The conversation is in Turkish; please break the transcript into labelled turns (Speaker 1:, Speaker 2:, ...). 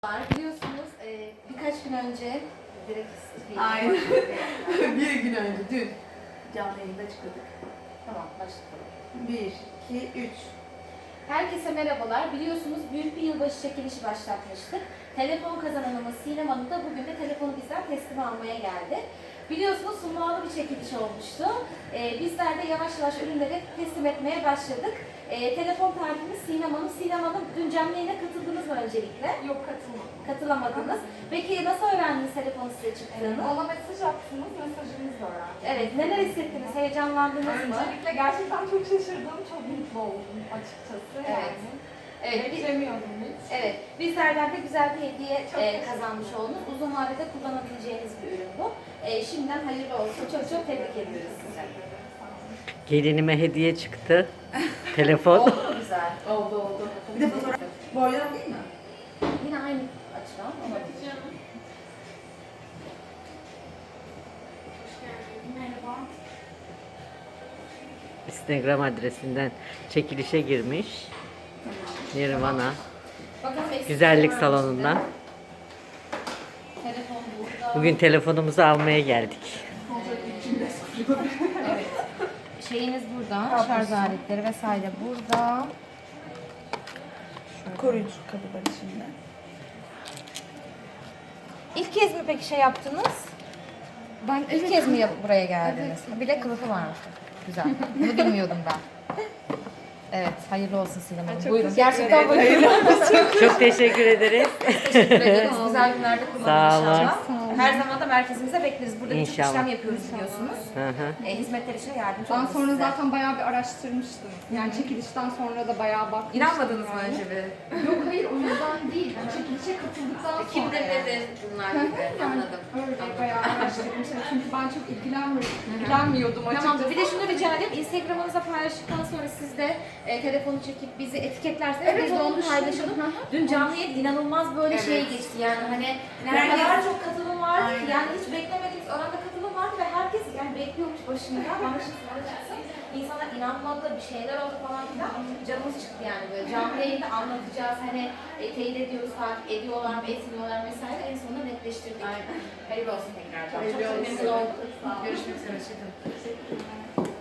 Speaker 1: Biliyorsunuz birkaç gün önce direkt
Speaker 2: Aynen. Bir gün önce, dün canlı yayında çıkıyorduk.
Speaker 1: Tamam, başlayalım.
Speaker 2: 1, 2, 3.
Speaker 1: Herkese merhabalar. Biliyorsunuz büyük bir yılbaşı çekilişi başlatmıştık. Telefon kazananımız Sinem Hanım da bugün de telefonu bizden teslim almaya geldi. Biliyorsunuz sunmalı bir çekiliş olmuştu. Bizler de yavaş yavaş ürünleri teslim etmeye başladık. Telefon tarifimiz Sinem Hanım. Sinem Hanım dün canlı yayına katıldınız mı öncelikle?
Speaker 3: Yok, katılmadım.
Speaker 1: Katılamadınız. Peki nasıl öğrendiniz telefon size çıktığını?
Speaker 3: Bana mesaj attınız, mesajınızı öğrendim.
Speaker 1: Evet, neler hissettiniz? Heyecanlandınız mı?
Speaker 3: Öncelikle gerçekten çok şaşırdım, çok mutlu oldum açıkçası.
Speaker 1: Evet. Evet,
Speaker 3: Beklemiyordum hiç.
Speaker 1: evet. Bizlerden de güzel bir hediye
Speaker 3: teşekkür
Speaker 1: kazanmış oldunuz. Uzun vadede kullanabileceğiniz bir ürün bu. Şimdiden hayırlı olsun. Çok çok tebrik ediyoruz size.
Speaker 4: Gelinime hediye çıktı. Telefon.
Speaker 1: Oldu mu güzel?
Speaker 2: Oldu. Bir de fotoğraf. Boydan değil mi?
Speaker 1: Yine aynı açıdan ama
Speaker 3: Merhaba.
Speaker 4: Instagram adresinden çekilişe girmiş. Nirvana.
Speaker 1: bakalım eksik
Speaker 4: Güzellik
Speaker 1: var mı
Speaker 4: salonundan.
Speaker 1: içinde? Telefon burada.
Speaker 4: Bugün telefonumuzu almaya geldik.
Speaker 1: Evet. Şeyiniz burada. Şarj aletleri vesaire burada.
Speaker 2: Koruyucu kabı var içinde.
Speaker 1: İlk kez mi peki şey yaptınız? Ben ilk kez mi buraya geldiniz? Bir de kılıfı varmış. Güzel. Bunu bilmiyordum ben. Evet, hayırlı olsun Sinem Hanım. Buyurun. Gerçekten buyurun.
Speaker 4: Çok teşekkür ederiz.
Speaker 1: Teşekkür ederiz. Güzel günlerde kullanın
Speaker 4: Sağ olun.
Speaker 1: inşallah. Her zaman da merkezimize bekleriz. Burada birçok
Speaker 4: İnşallah.
Speaker 1: işlem yapıyoruz biliyorsunuz.
Speaker 4: Hı hı.
Speaker 1: Hizmetler için yardımcı
Speaker 3: Ben
Speaker 1: oluruz
Speaker 3: sonra
Speaker 1: size.
Speaker 3: zaten bayağı bir araştırmıştım. Yani çekilişten sonra da bayağı bakmıştım.
Speaker 1: İnanmadınız mı
Speaker 3: yani.
Speaker 1: önce bir?
Speaker 3: Yok hayır, o yüzden değil. Çekilişe katıldıktan sonra.
Speaker 1: Kimdir
Speaker 3: yani.
Speaker 1: nedir bunlar gibi. Anladım.
Speaker 3: Öyle bayağı araştırdım. Çünkü ben çok ilgilenmiyordum açıkçası.
Speaker 1: Tamamdır. Bir de şunu rica edeyim. Instagram'ınıza paylaştıktan sonra siz de telefonu çekip bizi etiketlerseniz
Speaker 3: Evet,
Speaker 1: biz de onu
Speaker 3: onu
Speaker 1: paylaşalım.
Speaker 3: düşündüm.
Speaker 1: Dün canlı yayın inanılmaz böyle şey geçti yani hani ne kadar çok katılım vardı ki yani hiç beklemediğimiz oranda katılım vardı ve herkes yani bekliyormuş başında bana çıksın. İnsanlar inanmadı, bir şeyler oldu falan filan. Canımız çıktı yani böyle canlı yayında anlatacağız hani teyit ediyoruz, takip ediyorlar mı, etmiyorlar vesaire en sonunda netleştirdik. Hayırlı olsun tekrar. Çok memnun oldum. Görüşmek üzere.